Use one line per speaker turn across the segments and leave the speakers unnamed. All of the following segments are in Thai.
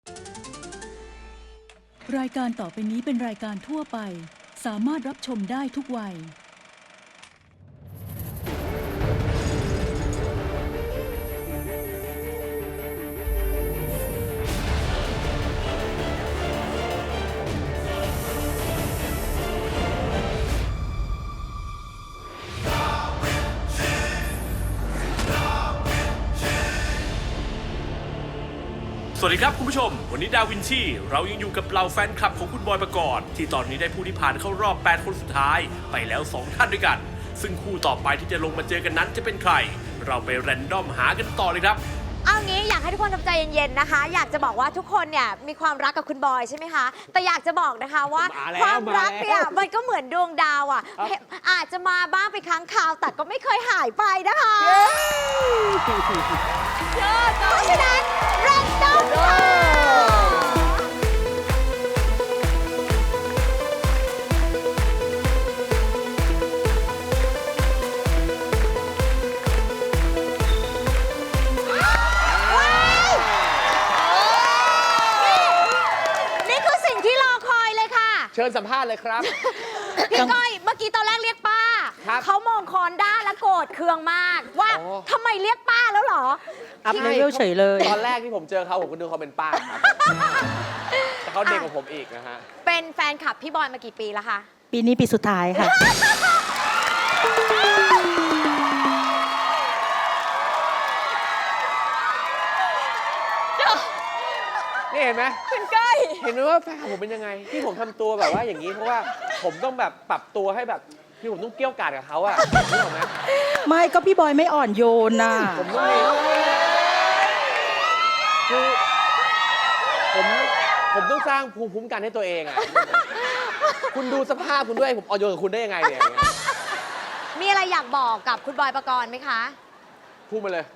รายการต่อไปนี้เป็นรายการทั่วไปสามารถรับชมได้ทุกวัย
สวัสดีครับคุณผู้ชมวันนี้ดาวินชีเรายังอยู่กับเหล่าแฟนคลับของคุณบอยปกรณ์ที่ตอนนี้ได้ผู้ที่ผ่านเข้ารอบ8คนสุดท้ายไปแล้ว2ท่านด้วยกันซึ่งคู่ต่อไปที่จะลงมาเจอกันนั้นจะเป็นใครเราไปแรนดอมหากันต่อเลยครับ
เอางี้อยากให้ทุกคนทำใจเย็นๆนะคะอยากจะบอกว่าทุกคนเนี่ยมีความรักกับคุณบอยใช่ไหมคะแต่อยากจะบอกนะคะว่าความรักเนี่ยมันก็เหมือนดวงดาวอ่ะอาจจะมาบ้างไปครั้งคราวแต่ก็ไม่เคยหายไปนะคะเพราะฉะนั้นแรนดอมค่ะ
เชิญสัมภาษณ์เลยครับ
พี่ก้อยเมื่อกี้ตอนแรกเรียกป้าเขามองคอนด้าแล้วโกรธเคืองมากว่าทำไมเรียกป้าแล้วเหรอ
อัพเลเวลเฉยเลย
ตอนแรกที่ผมเจอเขาผมก็นึกเขาเป็นป้าครับแต่เขาเด็กกว่าผมอีกนะฮะ
เป็นแฟนคลับพี่บอยมากี่ปีแล้วคะ
ปีนี้ปีสุดท้ายค่ะ
นี่เห็นไหม
คุณก้อย
เห็นไหมว่าแฟนผมเป็นยังไงที่ผมทำตัวแบบว่าอย่างนี้เพราะว่าผมต้องแบบปรับตัวให้แบบที่ผมต้องเกี้ยวกาดกับเขาอะรู้ไหม
ไม่ก็พี่บอยไม่อ่อนโยนน่ะ
ผมไม่คือผมต้องสร้างภูมิคุ้มกันให้ตัวเองอะคุณดูสภาพคุณด้วยผมอ่อนโยนกับคุณได้ยังไงเนี่ย
มีอะไรอยากบอกกับคุณบอยปกรณ์ไหมคะ
พูดมาเลย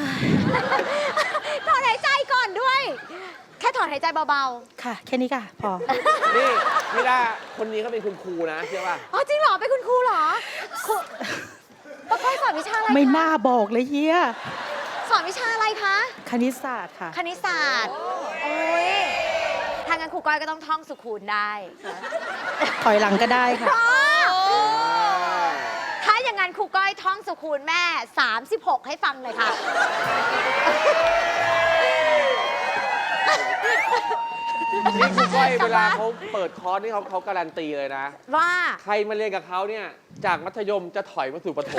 ถอนหายใจก่อนด้วยแค่ถอนหายใจเบา
ๆค่ะแค่นี้ค่ะพอ
นี่ไม่ได้คนนี้เขาเป็นคุณครูนะเชื่อป่ะ
อ๋อจริงเหรอเป็นคุณครูเหรอครูปกรณ์สอนวิชาอะไร
ไม่น่าบอกเลยเฮีย
สอนวิชาอะไรคะ
คณิตศาสตร์ค่ะ
คณิตศาสตร์โอ้ยทางงั้นครูก้อยก็ต้องท่องสุขูณได้
ถอยหลังก็ได้ค่ะ
ถ้าอย่างนั้นครูก้อยท่องสุขูณแม่36ให้ฟังเลยค่ะ
นี่ครูก้อยเวลาเขาเปิดคอร์สนี่เขาการันตีเลยนะ
ว่า
ใครมาเรียนกับเขาเนี่ยจากมัธยมจะถอยมาสู่ประถม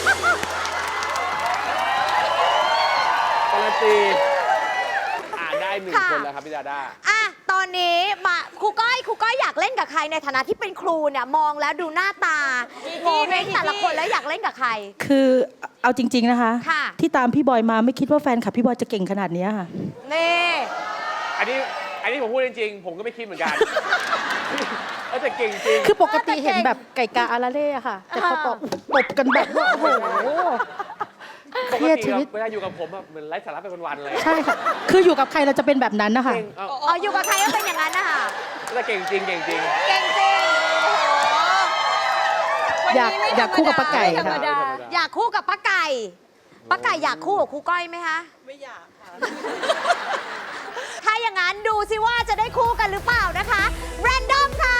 การันตีได้1 คนแล้วครับพี่ดาด้า
ตอนนี้มาครูก้อยอยากเล่นกับใครในฐานะที่เป็นครูเนี่ยมองแล้วดูหน้าตามองให้แต่ละคนแล้วอยากเล่นกับใคร
คือเอาจริงๆนะคะที่ตามพี่บอยมาไม่คิดว่าแฟนคลับพี่บอยจะเก่งขนาดนี้ค่ะ
นี่
อันนี้ผมพูดจริงๆผมก็ไม่คิดเหมือนกันแต่เก่งจริง
คือปกติเห็นแบบไก่กาอาราเล่ค่ะแต่เขาตบกันแบบว่าโอ้โห
เครียดชีวิตเวลาอยู่กับผมเหมือนไร้สาระไปวันๆเลย
ใช่ค่ะคืออยู่กับใครเราจะเป็นแบบนั้นนะคะ
อยู่กับใครก็เป็นอย่างนั้นนะคะ
แต่เก่งจริงเก่งจริง
อยากคู่กับป้าไก่ค่ะ
อยากคู่กับป้าไก่อยากคู่กับครูก้อยไหมคะ
ไม่อยากค่ะ
ถ้าอย่างนั้นดูสิว่าจะได้คู่กันหรือเปล่านะคะแรนดอมค่ะ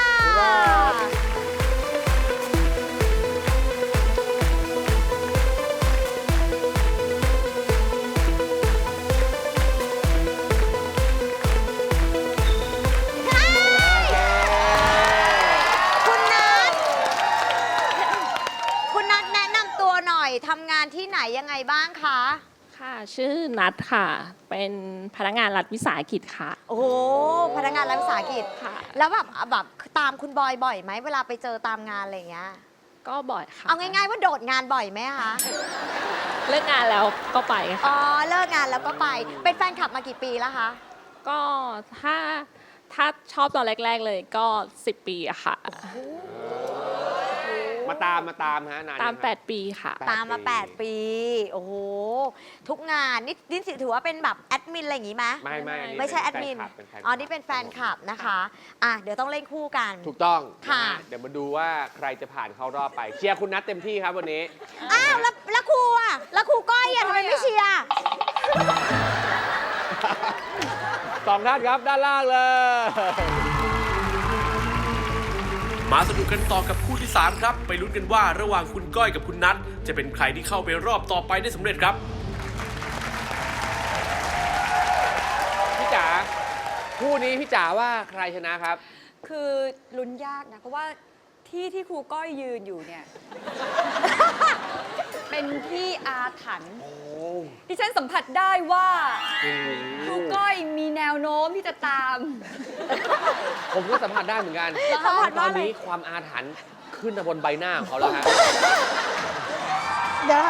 ทำงานที่ไหนยังไงบ้างคะ
ค่ะชื่อนัทค่ะเป็นพนักงานรัฐวิสาหกิจค่ะ
โอ้โหพนักงานรัฐวิสาหกิจค่ะแล้วแบบตามคุณบอยบ่อยไหมเวลาไปเจอตามงานอะไรอย่างเงี้ย
ก็บ่อยค่ะ
เอาง่ายๆว่าโดดงานบ่อยไหมคะ
เลิกงานแล้วก็ไปค่ะ
อ๋อเลิกงานแล้วก็ไปเป็นแฟนคลับมากี่ปีแล้วคะ
ก็ถ้าชอบตอนแรกๆเลยก็10 ปีอะค่ะ
มาตามฮะนาน
ตาม8 ปีค่ะ
ตามมา8 ปีโอ้โหทุกงานนี่ถือว่าเป็นแบบแอดมินอะไรอย่างงี้ไหมไม่ใช่แอดมินอ๋อนี่เป็นแฟนคลับนะคะเดี๋ยวต้องเล่นคู่กัน
ถูกต้องค่ะเดี๋ยวมาดูว่าใครจะผ่านเข้ารอบไปเชียร์คุณนัทเต็มที่ครับวันนี้
แล้วครูแล้วครูก้อยทำไมไม่เชียร์
2 ท่านครับด้านล่างเลย
มาสนุกกันต่อกับคู่ที่ 3 ครับ ไปลุ้นกันว่าระหว่างคุณก้อยกับคุณนัทจะเป็นใครที่เข้าไปรอบต่อไปได้สำเร็จครับ
พี่จ๋าคู่นี้พี่จ๋าว่าใครชนะครับ
คือลุ้นยากนะ เพราะว่าที่ครูก้อยยืนอยู่เนี่ย เป็นที่อาถรรพ์ที่ฉันสัมผัสได้ว่าครูก้อยมีแนวโน้มที่จะตาม
ผมก็สัมผัสได้เหมือนกัน
สัมผัส
ต
ว่า
อน
อะไร
นี้ความอาถรรพ์ขึ้นมาบนใบหน้าของเขาแล้วฮะ
เดี๋ยวนะคะ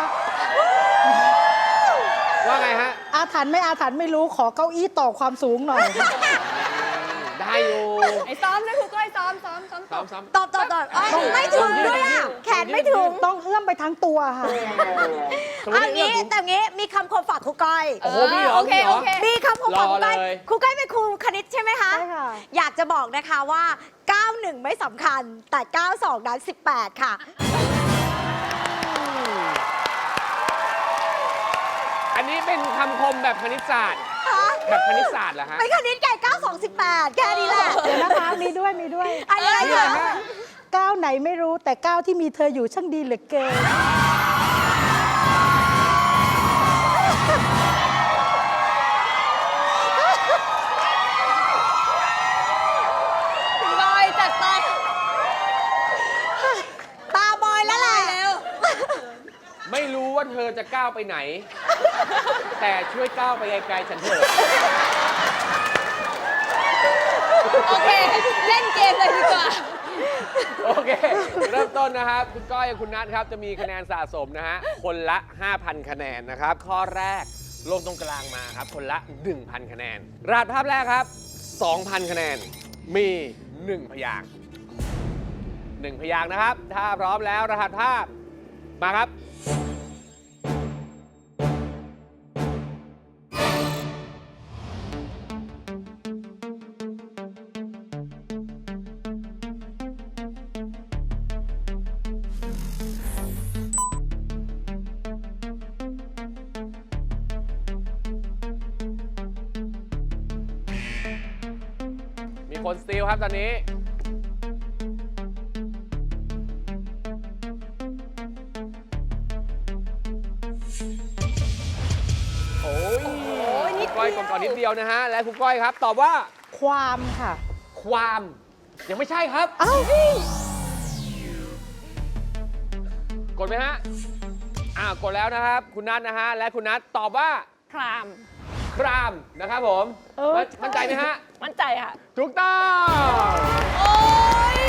ว่าไงฮะ
อาถรรพ์ไม่อาถรรพ์ไม่รู้ขอเก้าอี้ต่อความสูงหน่อยค่ะ
ได้อยู่
ไอ้ซ้อมนะครูก้อยซ้อม
ซ้อม
ตอบไม่ถึงด้วยอ่ะ แขนไม่ถึง
ต้องเอื้อมไปทั้งตัวค่ะ
อันนี้แต่งี้มีคำคมฝากครูก้อย
โอ้โหมีเหรอ
โอเค
มีเหรอ
โอเค
มีคำคมฝากครูก้อย
รอเลย
ครูก้อยเป็นครูคณิตใช่ไหมคะ
ใช่ค่ะ
อยากจะบอกนะคะว่า 91 ไม่สำคัญ แต่ 92 นั้น 18 ค่ะ
อันนี้เป็นคำคมแบบคณิตศาสตร์ แบบคณิตศาสตร์เหรอฮะ
เป็นคณิตไก่ 92 18 แค่นี้แหละ
เดี๋ยวนะคะมีด้วย
อะไร
นี่เหรอ
คะ
ฮะ
ก้าวไหนไม่รู้แต่ก้าวที่มีเธออยู่ช่างดีเหลือเกิน
คุณก้อยจัดไป
ตาบอยแล้วแหละ
ไม่รู้ว่าเธอจะก้าวไปไหน แต่ช่วยก้าวไปไกลๆฉันเถอะ
โอเค เล่นเกมเลยดีกว่า
โอเค เริ่มต้นนะครับ คุณก้อยกับคุณนัทครับ จะมีคะแนนสะสมนะฮะ คนละ 5,000 คะแนนนะครับ ข้อแรกลงตรงกลางมาครับ คนละ 1,000 คะแนน รหัสภาพแรกครับ 2,000 คะแนน มี 1 พยางค์1 พยางค์นะครับ ถ้าพร้อมแล้วรหัสภาพมาครับ มีคนสตีลครับตอนนี้ โอ้ยคุณก้อยก่อนนิดเดียวนะฮะ และคุณก้อยครับ ตอบว่า
ความค่ะ
ความ ยังไม่ใช่ครับ
เอ้า
กดไหมฮะ กดแล้วนะครับ คุณนัทนะฮะ และคุณนัทตอบว่า
คราม
ครามนะครับผม มั่นใจไหมฮะ
มั่นใจค่ะ
ถูกต้อง
โอ้ย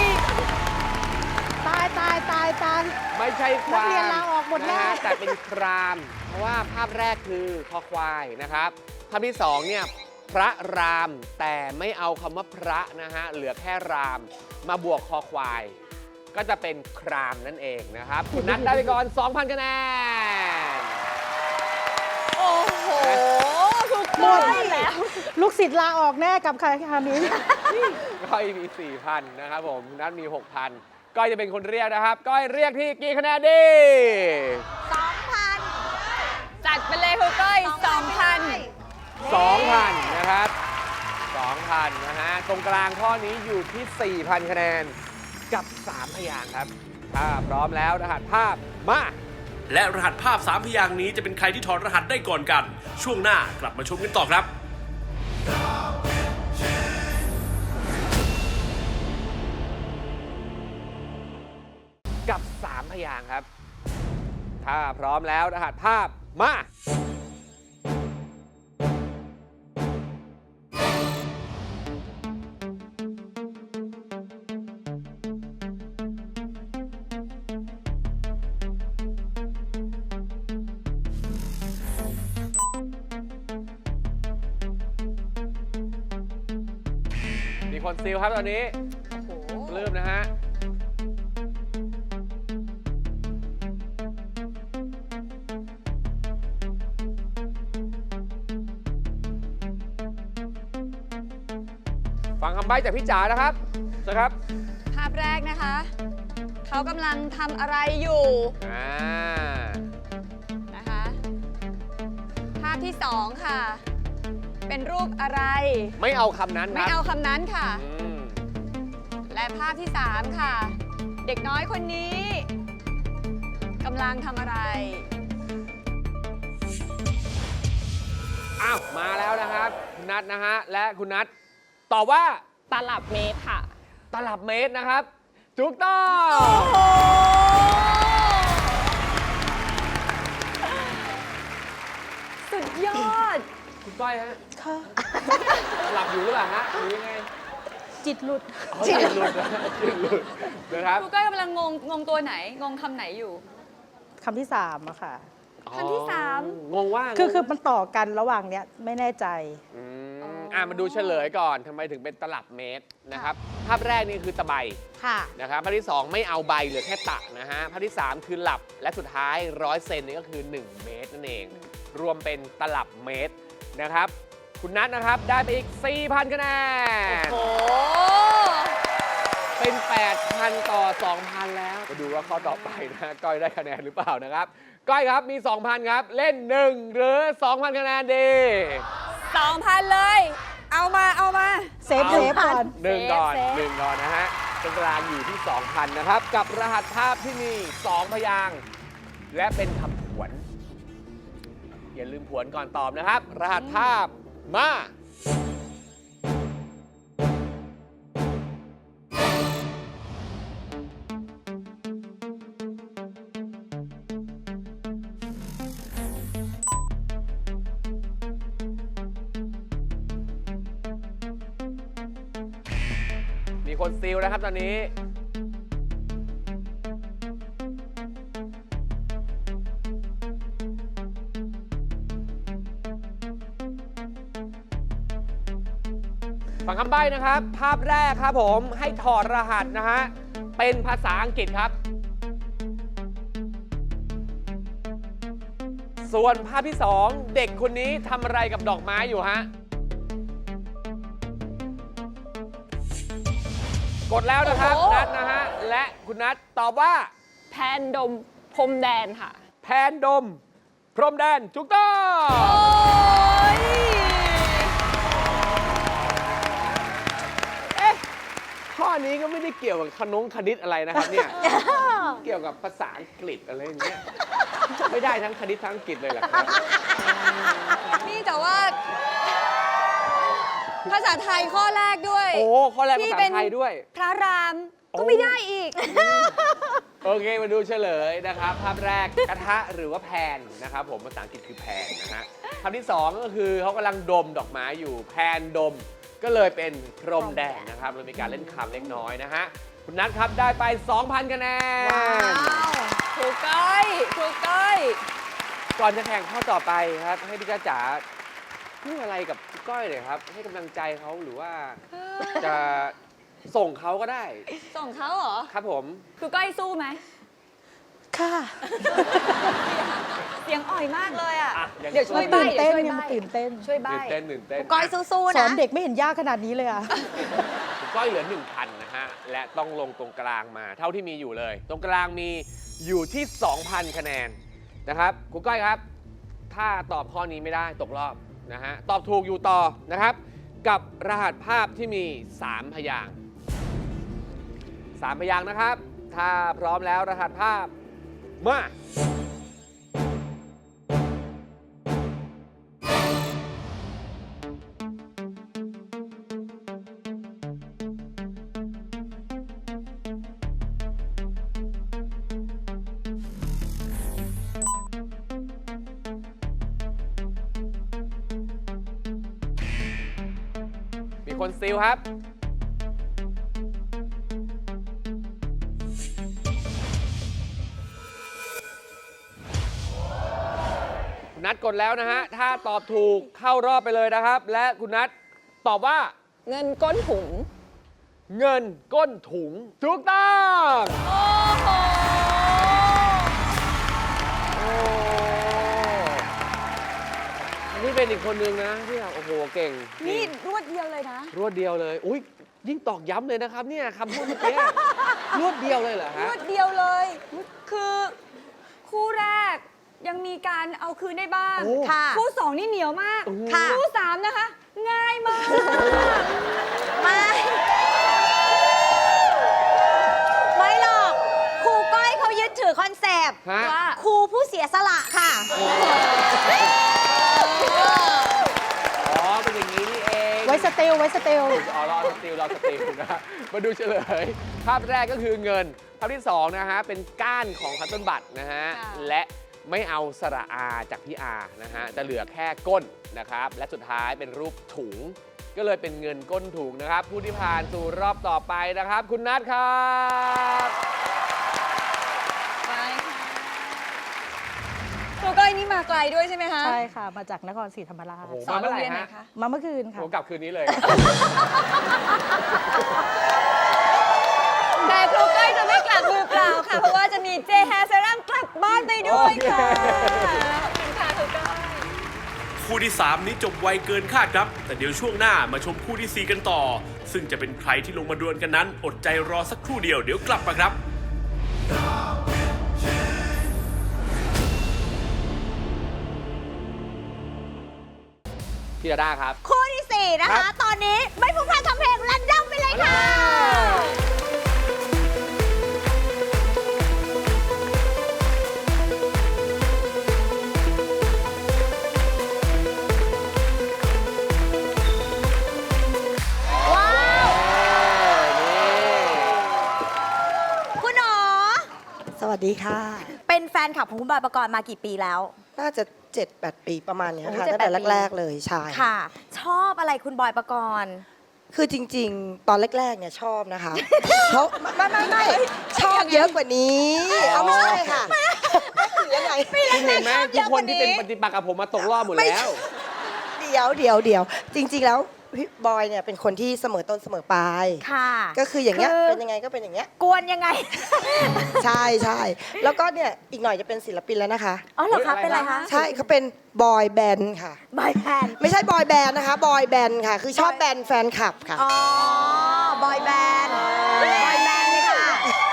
ตาย
ไม่ใช่ควา
นักเรียน
ม
ลาออกหมด
นะ
แน่
ฮะแต่เป็นคราม เพราะว่าภาพแรกคือคอควายนะครับ ภาพที่สองเนี่ยพระราม แต่ไม่เอาคำว่าพระนะฮะ เหลือแค่ราม มาบวกคอควาย ก็จะเป็นครามนั่นเองนะครับ คุณนัทได้ไปก่อน 2,000 คะแนน
โอ้โหครู
หม
ก้อ
ด
ยแล้ว
ลูกศิษย์ลาออกแน่กับใครคานี้
ก้อยมี 4,000 นะครับผมนัทมี 6,000 ก้อยจะเป็นคนเรียกนะครับ ก้อยเรียกที่กี่คะแนนดี
2,000
จัดไปเลยครูก้อย
2,000 นะครับ 2,000 นะฮะ ตรงกลางข้อนี้อยู่ที่ 4,000 คะแนน กับ 3 พยางค์ครับ ถ้าพร้อมแล้วรหัสภาพมา
และรหัสภาพ 3 พยางค์นี้จะเป็นใครที่ถอดรหัสได้ก่อนกัน ช่วงหน้ากลับมาชมกันต่อครับ
กับ 3 พยางค์ครับ ถ้าพร้อมแล้วรหัสภาพมา มีคนซีลครับตอนนี้ปลื้มนะฮะ ฟังคำใบ้จากพี่จ๋านะครับเชิญครับ
ภาพแรกนะคะ เขากำลังทำอะไรอยู่นะคะ ภาพที่ 2 ค่ะเป็นรูปอะไร
ไม่เอาคำนั้นค
ไม่
รับ
เอาคำนั้นค่ะ
อืม
และภาพที่ 3 ค่ะ เด็กน้อยคนนี้กำลังทำอะไร
อ้าว มาแล้วนะครับ คุณนัทนะฮะ และคุณนัทตอบว่า
ตลับเมตรค่ะ
ตลับเมตรนะครับ ถูกต้อง
สุดยอด
คุณก้อยฮะ
ค่ะ
หลับอยู่หรือเปล่าฮะหรือยังไง
จิตหลุด
อ๋อจิตหลุดนะจิตหลุดนะครับ
ครูก้อยกำลังงงตัวไหน งงคำไหนอยู่
คำที่3อะค่ะ
คำที่สาม
งงว่า
คือมันต่อกันระหว่างเนี้ยไม่แน่ใจ
มาดูเฉลยก่อนทำไมถึงเป็นตลับเมตรนะครับ ภาพแรกนี่คือตะไบ
ค่ะ
นะครับภาพที่ 2 ไม่เอาใบเหลือแค่ตะนะฮะภาพที่ 3 คือหลับและสุดท้าย100 เซนนี่ก็คือ 1 เมตรนั่นเอง รวมเป็นตลับเมตรนะครับ คุณนัทนะครับได้ไปอีก 4,000 คะแนน
โอ้
เป็น 8,000 ต่อ 2,000 แล้ว มาดูว่าข้อต่อไปนะก้อยได้คะแนนหรือเปล่านะครับ ก้อยครับมี 2,000 ครับ เล่น 1 หรือ 2,000 คะแนนดี
2,000 เลย เอามา
เซฟก่อน
หนึ่งก่อน
เซฟ
หนึ่งก่อนนะฮะตรงกลางอยู่ที่ 2,000 นะครับ กับรหัสภาพที่มี 2 พยางค์และเป็นคำผวน อย่าลืมผวนก่อนตอบนะครับ รหัสภาพมา มีคนซีลนะครับตอนนี้ ฟังคำใบ้นะครับ ภาพแรกครับผมให้ถอดรหัสนะฮะ เป็นภาษาอังกฤษครับ ส่วนภาพที่ 2 เด็กคนนี้ทำอะไรกับดอกไม้อยู่ฮะ กดแล้วนะครับ
โอ้โห
นัทนะฮะ และคุณนัทตอบว่า
แพนดมพรมแดนค่ะ
แพนดม พรมแดนถูกต้อง
โอ้ย
ข้อนี้ก็ไม่ได้เกี่ยวกับคณิตอะไรนะครับเนี่ย เกี่ยวกับภาษาอังกฤษอะไรอย่างเงี้ยไม่ได้ทั้งคณิตทั้งอังกฤษเลยเหรอครับ
นี่แต่ว่า ภาษาไทยข้อแรกด้วย
โอ้ข้อแรกภาษาไทยด้วย
พระราม
โอ้
ก็ไม่ได้อีก
โอเค มาดูเฉลยนะครับ ภาพแรกกระทะหรือว่าแพนนะครับผมภาษาอังกฤษคือแพนนะฮะคำที่ 2 ก็คือเขากำลังดมดอกไม้อยู่แพนดม ก็เลยเป็นพรมแดงนะครับเรามีการเล่นคำเล็กน้อยนะฮะคุณนัทครับได้ไป 2,000 คะแนน
ถูกก้อยถูกก้อย
ก่อนจะแข่งข้อต่อไปครับ ให้พี่จ้าจ๋าพูดอะไรกับพี่ก้อยเลยครับ ให้กำลังใจเขาหรือว่าจะส่งเขาก็ได้
ส่งเขาเหรอ
ครับผม
ครูก้อยสู้ไหม
ค่ะ
เสียงอ่อยมากเลยอ่ะ
อ่ะยัง
เดี๋ยวช่วย
ตื่
ใบ้
น
เดี๋
เต้
ย
น
วช่วย
ไง
ใบ้
มันตื่นเต้น
ช่วยใบ้
ตื่นเต้นตื่นเต้น
ก้อยสู้ๆ
สอ
นะ
นเด็กไม่เห็นยากขนาดนี้เลยอ่ะ
คุณก้อยเหลือ 1,000 นะฮะ และต้องลงตรงกลางมา เท่าที่มีอยู่เลย ตรงกลางมีอยู่ที่ 2,000 คะแนนนะครับคุณก้อยครับ ถ้าตอบข้อนี้ไม่ได้ตกรอบนะฮะ ตอบถูกอยู่ต่อนะครับ กับรหัสภาพที่มี 3 พยางค์3 พยางค์นะครับ ถ้าพร้อมแล้วรหัสภาพมา มีคนซีลครับ คุณนัทกดแล้วนะฮะ ถ้าตอบถูกเข้ารอบไปเลยนะครับ และคุณนัทตอบว่า
เงินก้นถุง
เงินก้นถุงถูกต้อง
โอ้โห
โอ้อันนี้เป็นอีกคนนึงนะที่แบบโอ้โหเก่ง
นี่รวดเดียวเลยนะ
รวดเดียวเลย อุ้ยยิ่งตอกย้ำเลยนะครับเนี่ยคำพูดเมื่อกี้ รวดเดียวเลยเหรอ
ร
ฮะ
วดเดียวเลย คือคู่แรกยังมีการเอาคืนได้บ้าง
โอ้
ค่ะ
คู่สองนี่เหนียวมาก
โอ้โห
ค่ะ
คู่สามนะคะง่ายมาก
ไม่หรอกครูก้อยเขายึดถือคอนเซปต์
ฮะ
ว่า
ครูผู้เสียสละค่ะ
อ๋อ เป็นอย่างนี้นี่เอง
ไว้สเตล
อ๋อรอสติลนะฮะมาดูเฉลย ภาพแรกก็คือเงิน ภาพที่ 2 นะฮะ เป็นก้านของคัตเติ้ลบัตนะฮะ
ค่ะ
และไม่เอาสระอาจากพี่อานะฮะ จะเหลือแค่ก้นนะครับ และสุดท้ายเป็นรูปถุง ก็เลยเป็นเงินก้นถุงนะครับ ผู้ที่ผ่านสู่รอบต่อไปนะครับ คุณนัทครับ
ไปค่ะครูก้อยนี่มาไกลด้วยใช่ไหมคะ
ใช่ค่ะ มาจากนครศรีธรรมราช
โอ้โห
สอนโรงเรียนไหนคะ
มาเมื่อคืนค่ะ
ผมกลับคืนนี้เลย
แต่ครูก้อยจะไม่กลับมือเปล่าค่ะ เพราะว่าจะมีเจแฮร์เซรั่มกลับบ้านไปด้วยค่ะ
โอเค
ขอบคุณค่ะครูก้อย
คู่ที่ 3 นี้จบไวเกินคาดครับ แต่เดี๋ยวช่วงหน้ามาชมคู่ที่ 4 กันต่อ ซึ่งจะเป็นใครที่ลงมาดวลกันนั้น อดใจรอสักครู่เดียวเดี๋ยวกลับมาครับ
พี่ดาด้าครับ
คู่ที่ 4 นะ
ครั
คะ
บ
ตอนนี้ไม่พูดพลาดคำเพลงรันดอมไปเลยค่ะ ว้าว คุณหนอ
สวัสดีค่ะ
เป็นแฟนคลับของคุณบอยปกรณ์มากี่ปีแล้ว
น่าจะ 7-8 ปีประมาณเนี้ย
โอ้
ค่ะ
7-8
ตั้งแต่
ปี
แรก ๆ เลยใช่
ค่ะ ชอบอะไรคุณบอยปกรณ์
คือจริง ๆ ตอนแรก ๆ เนี่ยชอบนะคะ เพราะไม่ชอบเยอะกว่านี้ เอาไม่ใช่ค่ะหรือยังไง
คุณเห็นไหมทุกคนที่เป็นปฏิปักษ์กับผมมาตกรอบหมดแล้ว
เดี๋ยวจริง ๆ แล้วพี่บอยเนี่ยเป็นคนที่เสมอต้นเสมอปลาย
ค่ะ
ก็คืออย่างเงี้ย
คือ
เป็นยังไงก็เป็นอย่างเงี้ย
กวนยังไง
ใช่แล้วก็เนี่ยอีกหน่อยจะเป็นศิลปินแล้วนะคะ
อ๋อเหรอคะ
เฮ้ย
เป็นอะไรคะ
ใช่เขาเป็นบอยแบนด์ค่ะ
บอยแบนด์
ไม่ใช่บอยแบนด์นะคะบอยแบนด์ค่ะ คือชอบแบนด์แฟนคลับค่ะ
อ๋อ บอยแบนด์ บอยแบนด์เลยค่ะ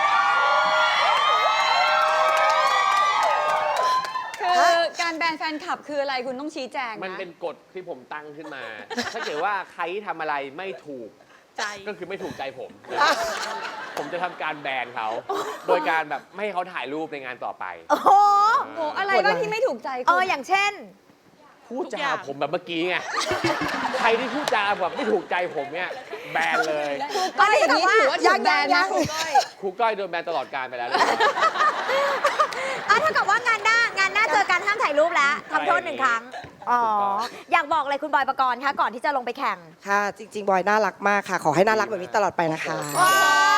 คือการแบนแฟนคลับคืออะไรคุณต้องชี้แจงนะ
มันเป็นกฎที่ผมตั้งขึ้นมา ถ้าเกิดว่าใครทำอะไรไม่ถูกใจก็คือไม่ถูกใจผม ผมจะทำการแบนเขา โดยการแบบไม่ให้เขาถ่ายรูปในงานต่อไป
โอ้โห
โอ้อะไรบ้างที่ไม่ถูกใจคุณ
อย่างเช่น
พูดจาผมแบบเมื่อกี้ไง ใครที่พูดจาแบบไม่ถูกใจผมเนี่ยแบนเลย
ครูก้อยอย่างนี้ถือว่าถูกแบน
ยั
นะ
ง
ครูก้อย
ครูก้อยโดนแบนตลอดการไปแล้ว
เท่ากับว่างานหน้าเจอกันห้ามถ่ายรูปแล้วทำโทษ1 ครั้ง อ๋อ อยากบอกอะไรคุณบอยปกรณ์คะก่อนที่จะลงไปแข่ง
ค่ะ จริง ๆ บอยน่ารักมากค่ะ ขอให้น่ารักแบบนี้ตลอดไปนะคะ
ว้าว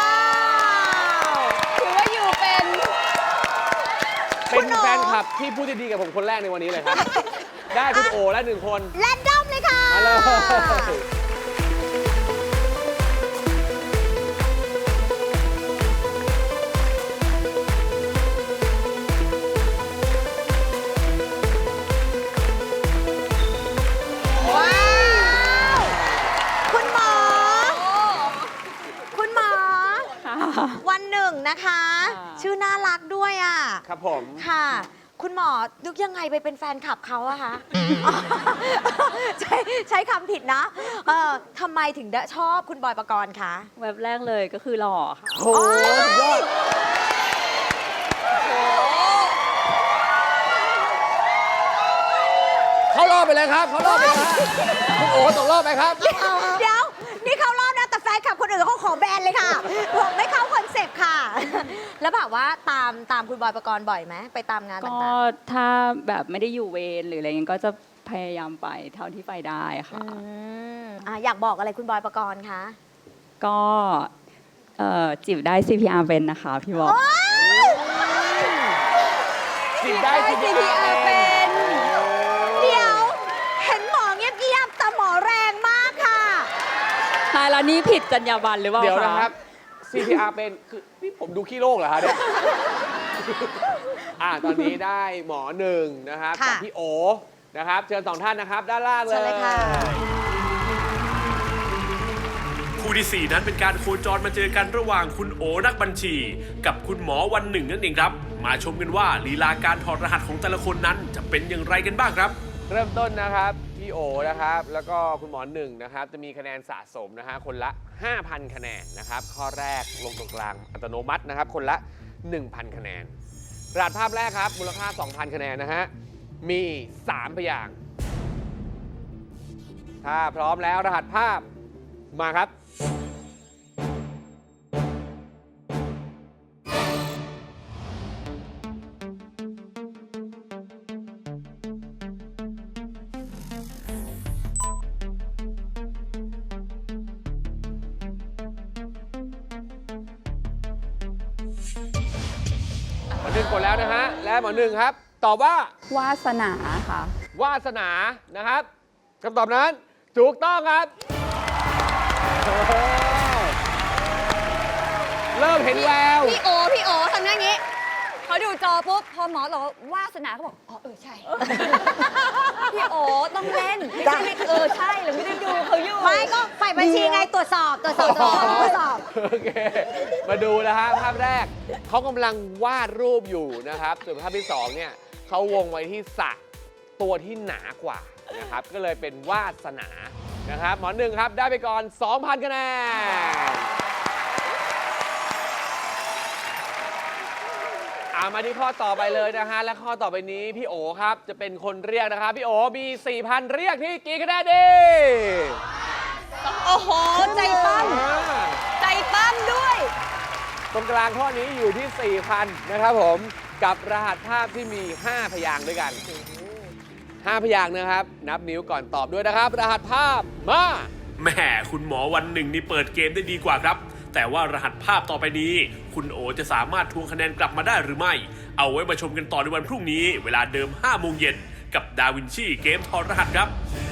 ถือว่าอยู่เป็น
เป็นแฟนคลับที่พูดดีๆกับผมคนแรกในวันนี้เลยครับ ได้คุณโอและ1 คน
แรนดอมเลยค่ะ
มาเลย
ว้าว คุณหมอ คุณหมอ วันหนึ่งนะคะ ชื่อน่ารักด้วยอ่ะ
ครับผม
ค่ะ คุณหมอนึกยังไงไปเป็นแฟนคลับเขาอะคะ ใช้คำผิดนะทำไมถึงได้ชอบคุณบอยปกรณ์คะ
เว็บแรกเลยก็คือหล่อค่ะ
โอ้โหสุดยอด เขารอบไปเลยครับ เขารอบไปเลยครับคุณโอตกรอบไปครับ
เดี๋ยว นี่เข้ารอบนะ แต่แฟนคลับคนอื่นเขาขอแบนเลยค่ะผมไม่เข้าคอนเซปต์ค่ะ แล้วแบบว่าตามคุณบอยปกรณ์บ่อยไหมไปตามงาน
ก็
ต่าง
ถ้าแบบไม่ได้อยู่เวรหรืออะไรเงี้ยก็จะพยายามไปเท่าที่ไปได้
ๆ
ค่ะ
อยากบอกอะไรคุณบอยปกรณ์คะ
ก็จีบได้ CPR เป็นนะคะพี่บอก
จิบได้
CPR เป็น
เดี๋ยว เห็นหมอเงียบๆแต่หมอแรงมากค่ะ
ตายแล้วนี่ผิดจรรยาบรรณหรือเปล่า
เดี๋ยว
คะ
นะครับ CPR เป็นคือนี่ผมดูขี้โรคเหรอฮะเนี่ย ตอนนี้ได้หมอ1นะครับ
ค่ะ
กับพี่โอนะครับเชิญ2 ท่านนะครับ ด้านล่างเลย
เชิญเลยค่ะ
คู่ที่ 4 นั้นเป็นการโคจรมาเจอกันระหว่างคุณโอนักบัญชี กับคุณหมอวันหนึ่งนั่นเองครับ มาชมกันว่าลีลาการถอดรหัสของแต่ละคนนั้นจะเป็นอย่างไรกันบ้างครับ
เริ่มต้นนะครับพี่โอนะครับ แล้วก็คุณหมอหนึ่งนะครับ จะมีคะแนนสะสมนะฮะคนละ 5,000 คะแนนนะครับ ข้อแรกลงตรงกลางอัตโนมัตินะครับ คนละ 1,000 คะแนนรหัสภาพแรกครับมูลค่า 2,000 คะแนนนะฮะมี 3 พยางค์ถ้าพร้อมแล้วรหัสภาพมาครับ หมอหนึ่งกดแล้วนะฮะ และหมอหนึ่งครับ ตอบว่าว
าสนาค่ะ
วาสนานะครับคำตอบนั้นถูกต้องครับเริ่มเห็นแวว
พี่โอทำหน้าอย่างนี้เขาดูจอปุ๊บ พอหมอบอกว่าวาสนาเขาบอก อ๋อใช่ พี่โอต้องเล่น ไม่ใช่ใช่เราไม่ได้ดูเขาอยู่
ไม่ก็ฝ่ายบัญชีไงตรวจสอบ
โอเค มาดูนะฮะภาพแรกเขากำลังวาดรูปอยู่นะครับ ส่วนภาพที่ 2 เนี่ยเขาวงไว้ที่สระตัวที่หนากว่านะครับ ก็เลยเป็นวาสนานะครับ หมอหนึ่งครับ ได้ไปก่อน 2,000 คะแนนมาที่ข้อต่อไปเลยนะฮะ และข้อต่อไปนี้พี่โอครับจะเป็นคนเรียกนะครับ พี่โอมี 4,000 เรียกที่กี่คะแนนดี
โอ้โห ใจปั้มใจปั้มด้วย
ตรงกลางข้อนี้อยู่ที่ 4,000 นะครับผมกับรหัสภาพที่มี 5 พยางค์ด้วยกัน 5 พยางค์นะครับ นับนิ้วก่อนตอบด้วยนะครับ รหัสภาพมา
แหม่คุณหมอวันหนึ่งนี่เปิดเกมได้ดีกว่าครับ แต่ว่ารหัสภาพต่อไปนี้ คุณโอจะสามารถทวงคะแนนกลับมาได้หรือไม่ เอาไว้มาชมกันต่อในวันพรุ่งนี้ เวลาเดิม 5 โมงเย็นกับดาวินชีเกมถอดรหัสครับ